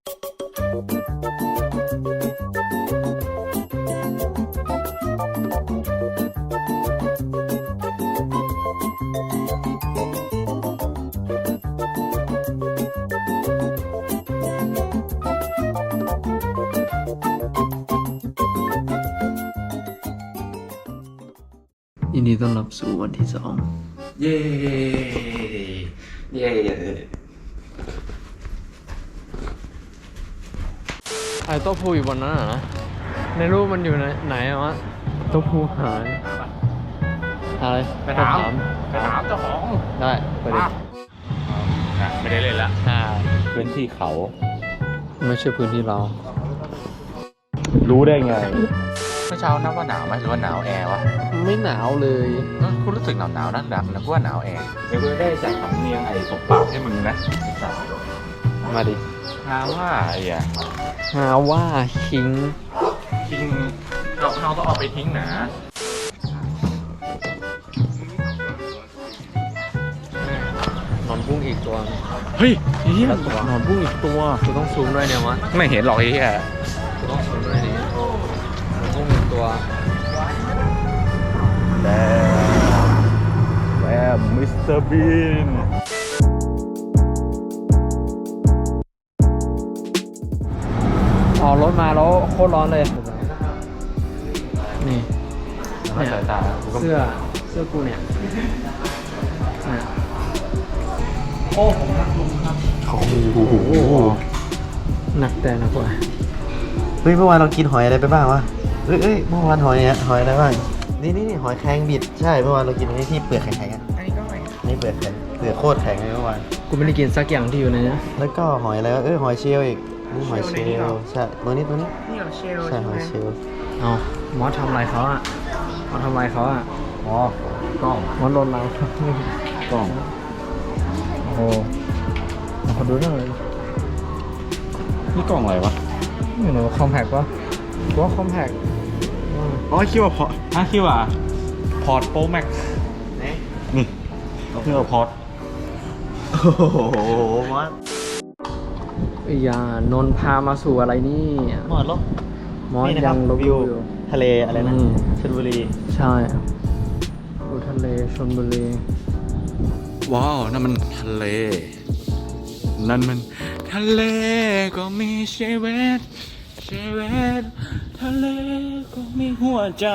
ยินดีต้อนรับสู่วันที่ 2 เย้เย้ไอ้โต๊ะพูอยู่บนนั้นนะในรูปมันอยู่ไหนวะโต๊ะพูหายอะไรไปถามเจ้าของได้ไปดิไม่ได้เล่นละพื้นที่เขาไม่ใช่พื้นที่เรารู้ได้ไงเมื่อเช้านับว่าหนาวไหมหรือว่าหนาวแอร์วะไม่หนาวเลยคุณรู้สึกหนาวนักนะว่าหนาวแอร์เดี๋ยวกูได้ใส่คำเนียงไอ้ตบปากให้มึงนะมาดิหาว่าไอ้อะหาว่าคิงทิ้งเราต้องเอาไปทิ้งหนานอนพุ่งอีกตัวเฮ้ยเฮียตัวนอนพุ่งอีกตัวกูต้องซูมด้วยเนี่ยวะไม่เห็นหรอกไอ้เฮียกูต้องซูมด้วยนี่นอนพุ่งอีกตัวแล้วมิสเตอร์บีนออกรถมาแล้วโคตรร้อนเลยนี่ไม่สายตาเสื้อกูเนี่ยโอ้ผมรักลุงครับโอ้โหหนักแต่หนักกว่าเฮ้ยเมื่อวานเรากินหอยอะไรไปบ้างวะเอ้ยเมื่อวานหอยอะไรบ้างนี่หอยแครงบิดใช่เมื่อวานเรากินอันนี้ที่เปลือกแข็งๆอ่ะอันนี้ก็หอยนี่เปลือกแข็งเปลือกโคตรแข็งเลยเมื่อวานกูไม่ได้กินสักอย่างที่อยู่ในนี้แล้วก็หอยอะไรวะหอยเชลล์อีกนี่หอยเชลล์ใช่ตัวนี้นี่หอยเชลล์ใช่หอยเชลล์เอามอสทำอะไรเขาอ่ะมอสทำอะไรเขาอ่ะอ๋อกล้องมอสโดนเรากล้องโอ้โหขอดูหน่อยนี่กล่องอะไรวะไม่รู้คอมแพกวะกูว่าคอมแพกอ๋อคิดว่าพอคิดว่าพอร์ตโปรแม็กนี่คิดว่าพอร์ตโอ้โหมอสอย่านนท์พามาสู่อะไรนี่มอสลบมอสนี่นะครับยังลบวิวอยู่ทะเลอะไรนะชลบุรีใช่อุทะเลชลบุรีว้าวนั่นมันทะเลนั่นมันทะเลก็มีชีวิตทะเลก็มีหัวใจ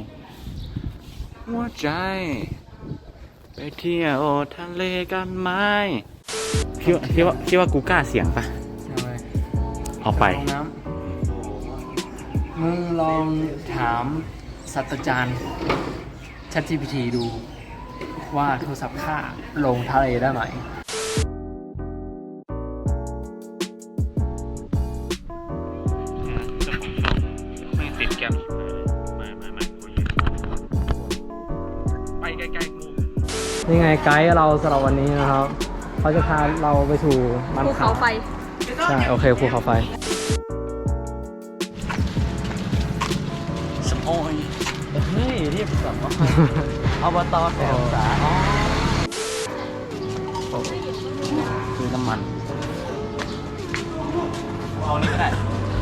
ไปเที่ยวทะเลกันไหมคิดว่ากูกล้าเสียงปะใช่เอาไปลงน้ำมึงลองถามศาสตราจารย์ ChatGPT ดูว่าโทรศัพท์ค่าลงทะเลได้ไหมไม่ติดแกมไม่ไปไกลๆกูนี่ไงไกด์เราสำหรับวันนี้นะครับเขาจะพาเราไปสู่บ้านภูเขาไฟใช่โอเคภูเขาไฟสมอยเฮ้ยเรียบสัมว่าอบตแสนสาคือน้ำมันเอานี้ก็ได้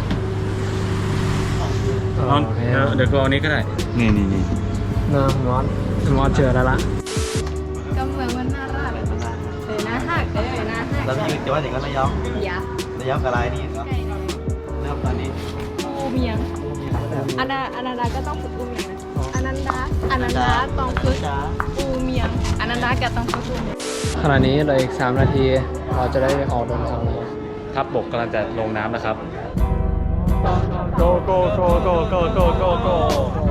โอเคเดี๋ยวกูเอานี้ก็ได้นี่นะมอสเจอแล้วละก็เมืองมันน่ารักเลยนะฮักเลยนะฮักเราอยู่จังหวัดไหนกันระยองอย่าระยองกับอะไรนี่เนาะใกล้เลยเริ่มตอนนี้อูเมียงอนันดาก็ต้องฝึกอูเมียงนะอนันดาต้องฝึกอูเมียงอนันดาก็ต้องฝึกอูเมียงขณะนี้เหลืออีก3 นาที เราจะได้ออกเดินทางแล้วทัพบกกำลังจะลงน้ำนะครับโกโกโกโกโกโกโกโก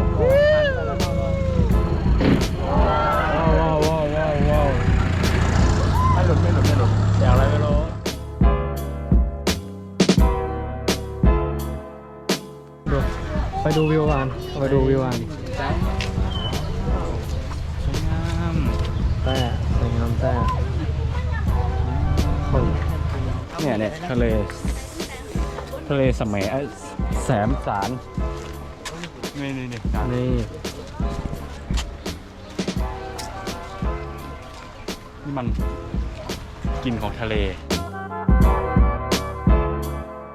ว้าวไม่หลุดอย่างไรไม่รู้ไปดูวิวกันแต่สวยงามแต่คนเนี่ยทะเลสมัยแสมสารนี่นี่นี่มันกลิ่นของทะเล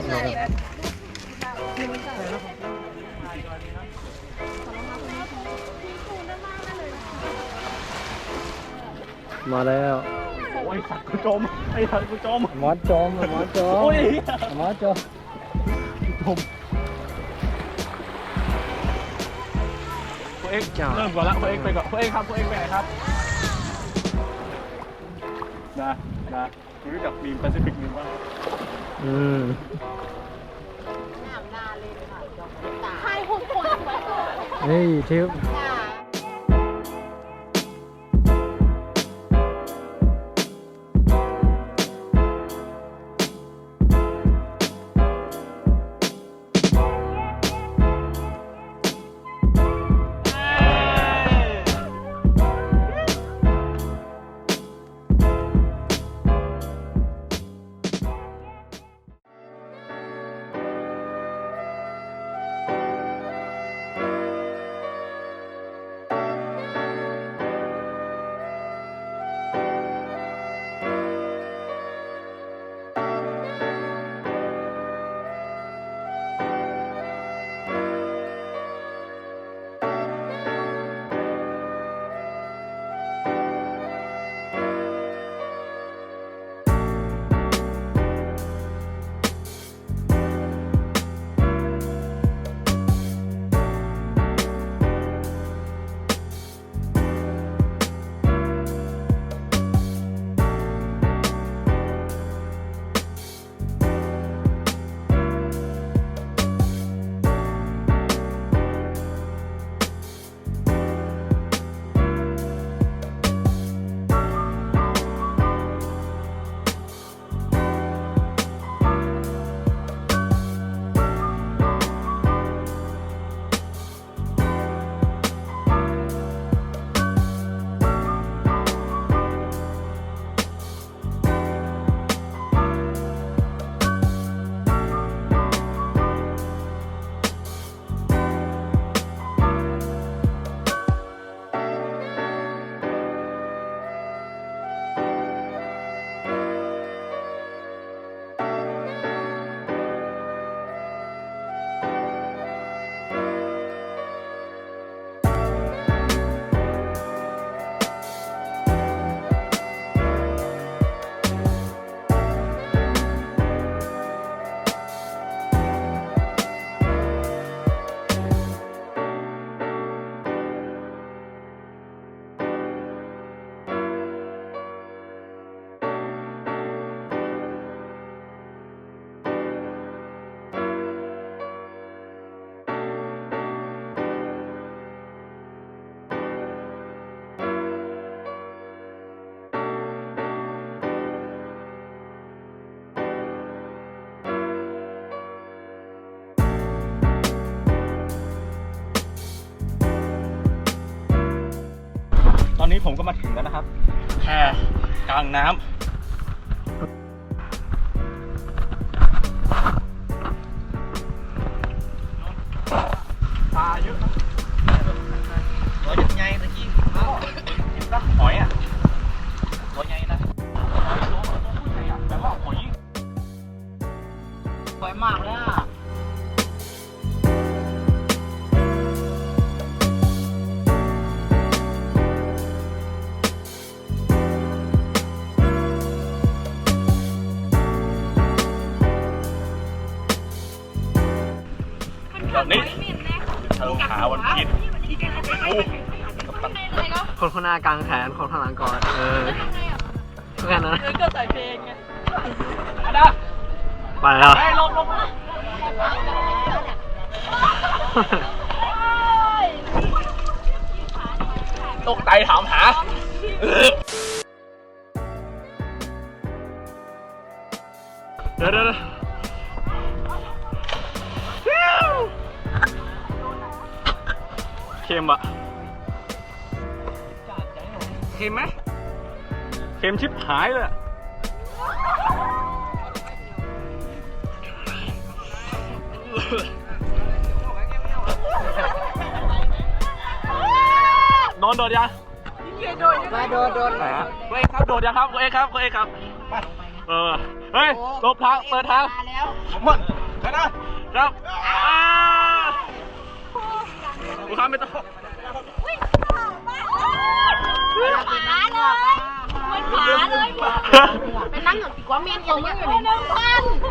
มาแล้วโอ้ยสัตว์กูจมไอ้สัตว์กูจมมอสจมมอสจมโอ้ยมอสจมโค้เอ็กเริ่มก่อนละโค้เอ็กไปก่อนโค้เอ็กครับโค้เอ็กไปไหนครับนะรู้จักมีมแปซิฟิกมีมบ้างใช่หุ่นคนสวยเฮ้ยทิวตอนนี้ผมก็มาถึงแล้วนะครับแพกลางน้ำปลาเยอะนะตัวใหญ่ๆตะกี้กินปะหอยอ่ะตัวใหญ่นะหอยตัวผู้ใหญ่อะแต่ว่าหอยสวยมากเลยอ่ะ นี่เชิงหาวันคิดคนข้างหน้ากลางแขนคนข้างหลังก่อนแค่นั้นก็ใส่เพลงไงไปแล้วไปลงตกใจถามหาเดี๋ยวเค็มอะเค็มไหมเค็มชิบหายเลยอะโดนยังมาโดนเฮ้ยครับโดดยังครับเฮ้ยครับเฮ้ยครับเฮ้ยหลบทางเปิดทางครับกูทำไม่ต้องขาเลยมันขาเลยไปนั่งกับดีกว่าเมียนของมึงอยู่ในบ้าน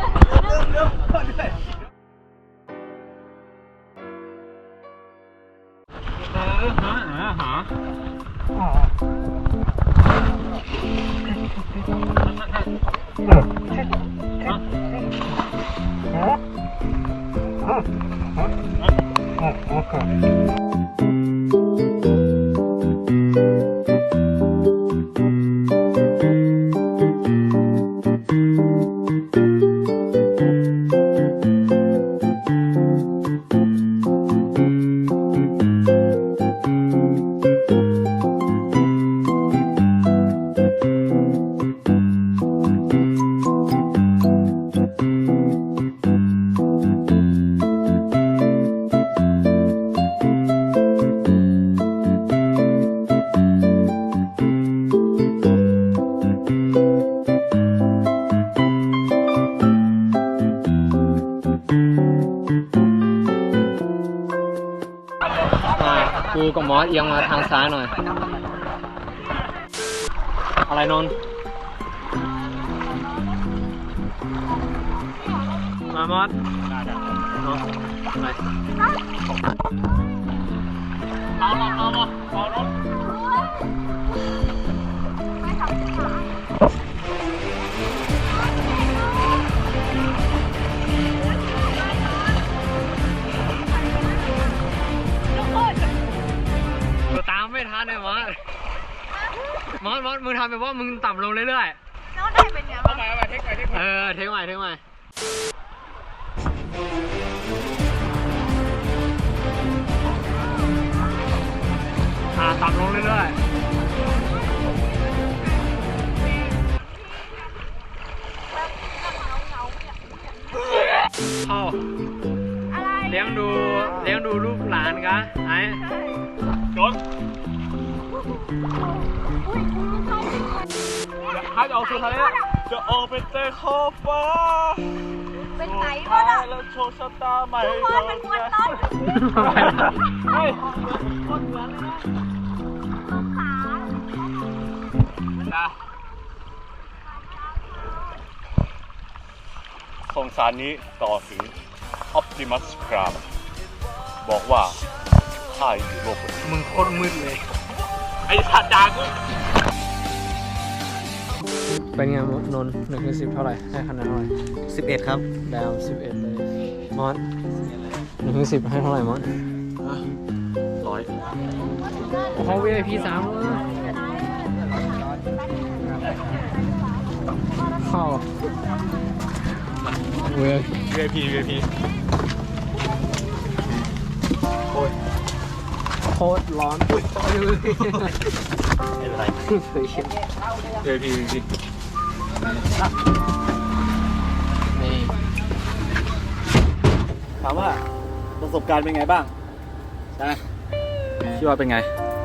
กูกับมอสเอียงมาทางซ้ายหน่อย อะไรนนท์มามอสเนาะไปเอารถตามไม่ทันเลยมอสมึงทำแบบว่ามึงต่ำลงเรื่อยๆน้องได้เป็นไงบ้างเทคใหม่เทคใหม่ต่ำลงเรื่อยๆพ่อเลี้ยงดูลูกหลานกะไอ้จนถ้าจะออกสู่ทะเลจะออกไปเตะขอบฟ้าเป็นไหนบ้างอ่ะแล้วโชว์ชะตาใหม่ทุกคนเป็นคนต้นเฮ้ยคนเหมือนเลยนะขาสงสารนี้ต่อถึง Optimus Prime บอกว่าข้าอยู่โลกนี้มึงโคตรมืดเลยไอ้สัตว์ด่ากูเป็นไงนนท์1-10เท่าไหร่ให้คะแนนเท่าไหร่ 11 ครับดาว11เลยมอส1-10ให้เท่าไหร่มอส 100 เขา VIP 3เข้าเว้ย VIP โคตรร้อนอุ้ยอะไรเคยเห็น VIP นี่ถามว่าประสบการณ์เป็นไงบ้างนะคิดว่าเป็นไง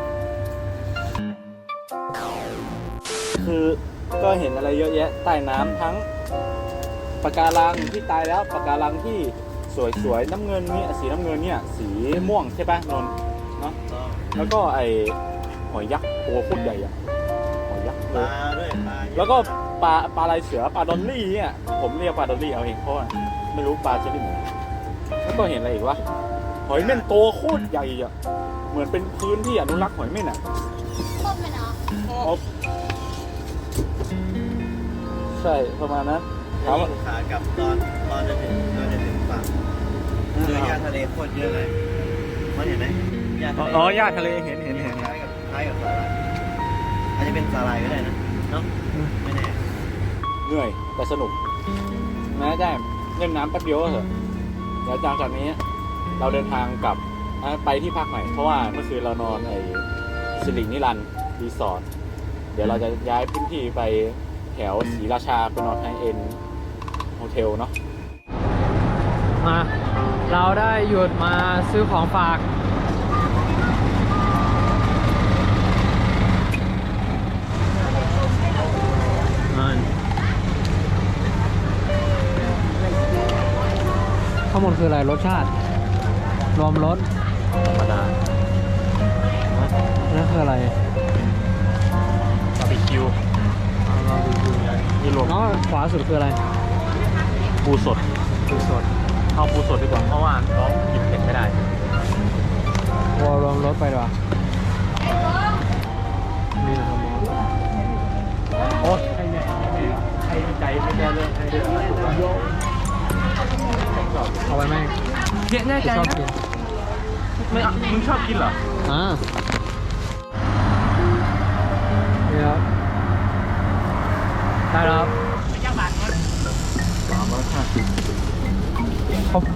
คือก็เห็นอะไรเยอะแยะใต้น้ำทั้งปะการังที่ตายแล้วปะการังที่สวยๆน้ำเงินเนี่ยสีน้ำเงินเนี่ยสีม่วงใช่ปะนนท์เนาะแล้วก็ไอหอยยักษ์ตัวโคตรใหญ่อะหอยยักษ์เลยแล้วก็ปลาลายเสือปลาดอลลี่เนี่ยผมเรียกปลาดอลลี่เอาเองเพราะว่าไม่รู้ปลาชนิดไหนแล้วก็เห็นอะไรอีกวะหอยเม่นตัวโคตรใหญ่อะเหมือนเป็นพื้นที่อนุรักษ์หอยเม่นอะต้นไหมเนาะใช่ประมาณนั้นถามว่าขากลับตอนจะถึงฝั่งเจอหญ้าทะเลโคตรเยอะเลยมันเห็นไหมหญ้าทะเลอ๋อหญ้าทะเลเห็นคล้ายกับสาหร่ายอาจจะเป็นสาหร่ายก็ได้นะเนาะไม่แน่เหนื่อยแต่สนุกนะได้เล่นน้ำแป๊บเดียวก็เถอะเดี๋ยวจากนี้เราเดินทางกลับไปที่พักใหม่เพราะว่าเมื่อคืนเรานอนไอ้สิรินิรันดร์รีสอร์ทเดี๋ยวเราจะย้ายพื้นที่ไปแถวศรีราชาไปนอนไฮเอ็นโฮเทลเนาะมาเราได้หยุดมาซื้อของฝากางบนคืออะไรรสชาติ รวมรสธรรมดานั่นคืออะไรบาร์บีคิวนี่รวมอ๋อขวาสุดคืออะไรปูสดปูสดเอาปูสดดีกว่าเพราะว่าน้องกินเผ็ดไม่ได้วอลรวมรสไปดีกว่านี่นะครับโอ๊ยให้ใจไม่ได้เลยให้เดือดเอาไว้ไหมเยอะง่ายชอบกินไม่มึงชอบกินเหรอนี่ครับได้แล้วครับ 350 ครับ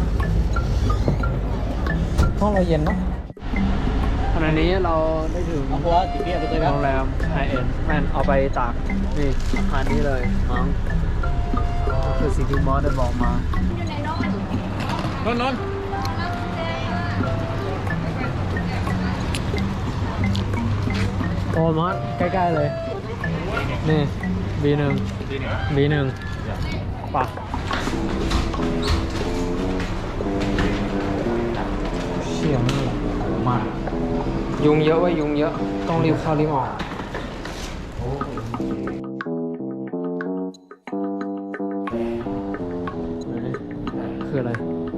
ห้องเราเย็นเนาะขณะนี้เราได้ถึงโรงแรมไฮเอ็นแมนเอาไปตากนี่อาคารนี้เลยมั้งคือสิ่งที่มอสได้บอกมานนโอ้มอสใกล้ๆเลย นี่ B1 B1ป่ะเสียงนี่มากยุงเยอะเว้ยยุงเยอะ ต้องรีบเข้ารีบออกคืออะไร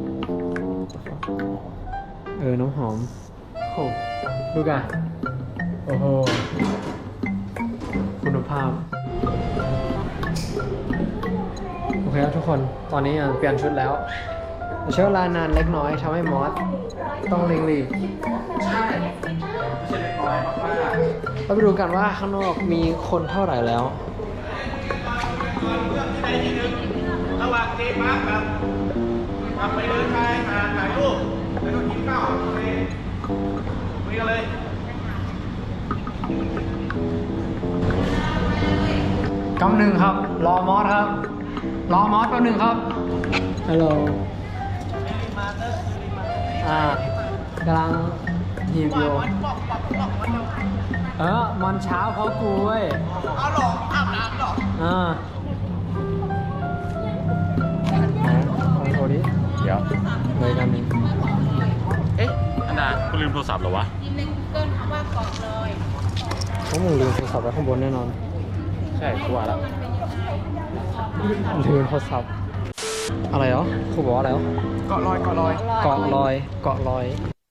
น้ำหอมโอ้ดูกันโอ้โห คุณภาพ โอเคครับทุกคน ตอนนี้เปลี่ยนชุดแล้วใช้เวลานานเล็กน้อยทำให้มอสต้องเร่งรีบเราไปดูกันว่าข้างนอกมีคนเท่าไหร่แล้วระหว่างเดมาร์กกับไปเดินชายหาดถ่ายรูปแล้วก็กินข้าวคุยกันเลยกำหนึ่งครับ รอมอสครับ รอมอสแป๊บหนึ่งครับ ฮัลโหลกำลังหีบอยู่มันเช้าเพราะกูเว้ยเอาหรออาบน้ำหรอลองโทรดิเดี๋ยวเลยกันนี้เอ๊ะอันดาคุณลืมโทรศัพท์เหรอวะเพราะมึงลืมโทรศัพท์ไว้ข้างบนแน่นอนใช่กูว่าแล้วลืมโทรศัพท์อะไรเหรอครูบอกว่าอะไรเหรอเกาะลอยเกาะลอยเกาะลอยเกาะลอย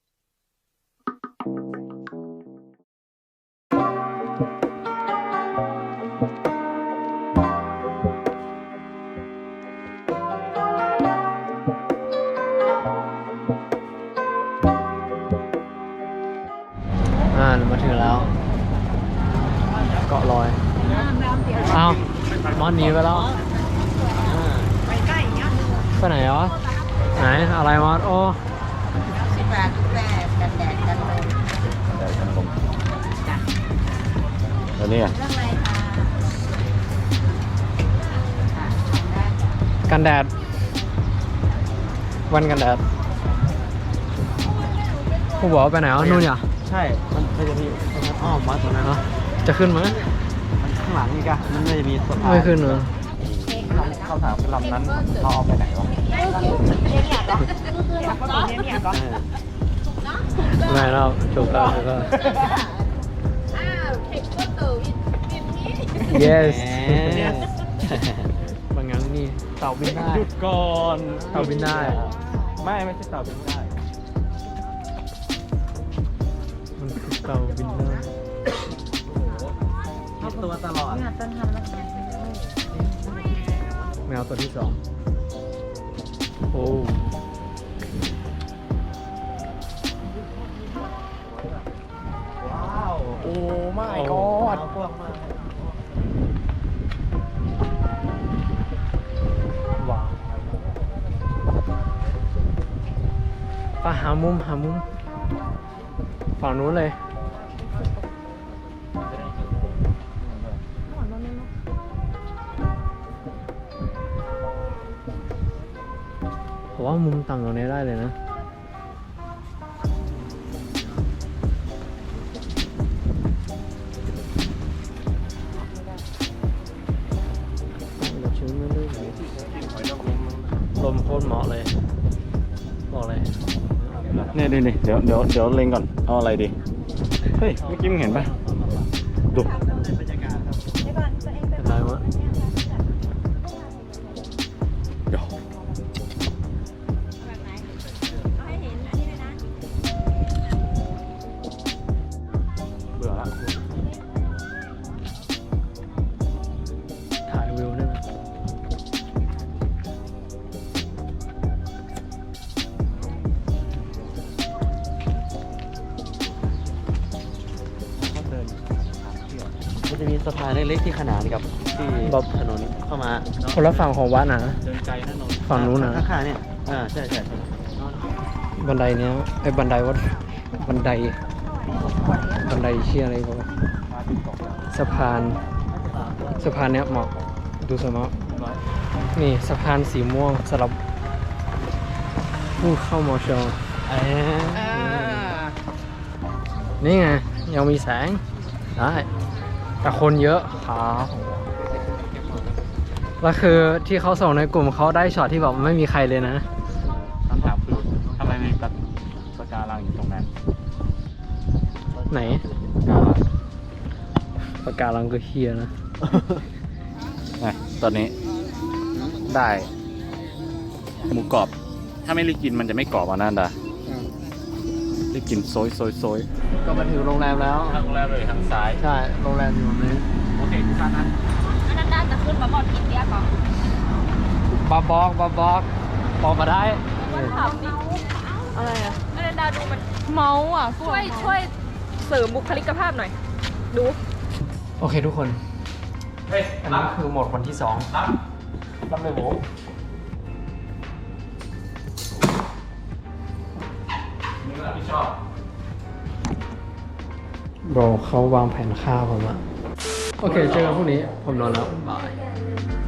มาถึงแล้ว เกาะลอยอ้าวมอนหนีไปแล้วไปไหนเหรอไหนอะไรมอสโอ้แล้วนี่กันแดดวันกันแดดผู้บอกว่าไปไหนอ๋อนู่นเหรอใช่ มันจะมีอ้อมมาตรงนั้นเนาะจะขึ้นไหมข้างหลังนี่กะมันจะมีสะพานไม่ขึ้นเหรอคำถามคือลำนั้นเราเอาไปไหนวะไม่แล้วจบแล้วก็ yes บางงั้นนี่เต่าบินได้หยุดก่อนเต่าบินได้ไม่ใช่เต่าบินได้มันคือเต่าบินได้ตัวตลอดแมวตัวที่สองโอ้ว้าวโอ้ไม่ก็พวกมากว้าวไปหามุมฝั่งนู้นเลยผมว่ามุมต่ำตรงนี้ได้เลยนะลมโคตรเหมาะเลยบอกเลยเนี่ยดิเดี๋ยวเล็งก่อน เอาอะไรดี เฮ้ย เมื่อกี้มึงเห็นปะดูเป็นไรวะเดี๋ยวเบื่อละถ่ายวิวได้ไหมมันจะมีสะพานเล็กๆที่ขนานกับที่ถนนเข้ามาคนละฝั่งของวัดนะเดินไกลนะนนท์ฝั่งนู้นนะข้างๆเนี่ยใช่บันไดเนี้ยไอ้บันไดวัดบันไดเชี่ยอะไรวะสะพานเนี้ยเหมาะดูสมะนี่สะพานสีม่วงสำหรับผู้เข้ามอชอนี่ไงยังมีแสงได้แต่คนเยอะครับแล้วคือที่เขาส่งในกลุ่มเขาได้ช็อตที่แบบไม่มีใครเลยนะคำถามคือทำไมมีปะการังอยู่ตรงนั้นไหนปากการังก็เฮียนะตอนนี้ได้หมูกรอบ ถ้าไม่รีบกินมันจะไม่กรอบอ่ะนั่นดารีบกินโซยก็มาถึงโรงแรมแล้วทางแรกเลยทางซ้ายใช่ โรงแรมอยู่ตรงนี้โอเคทุกท่านนะอันนั้นน่าจะขึ้นมาบอกกินเดียก่อนบาบอกมาได้มันถามดิอะไรอ่ะอันนั้นดาดูมันเมาอ่ะช่วยเสริมบุคลิกภาพหน่อย ดูโอเคทุกคนเฮ้ยอันนี้คือหมดวันที่2รับเลยโหมึงรับผิดชอบโบรเขาวางแผนฆ่าผมอะโอเค เจอกันพรุ่งนี้ ผมนอนแล้ว บาย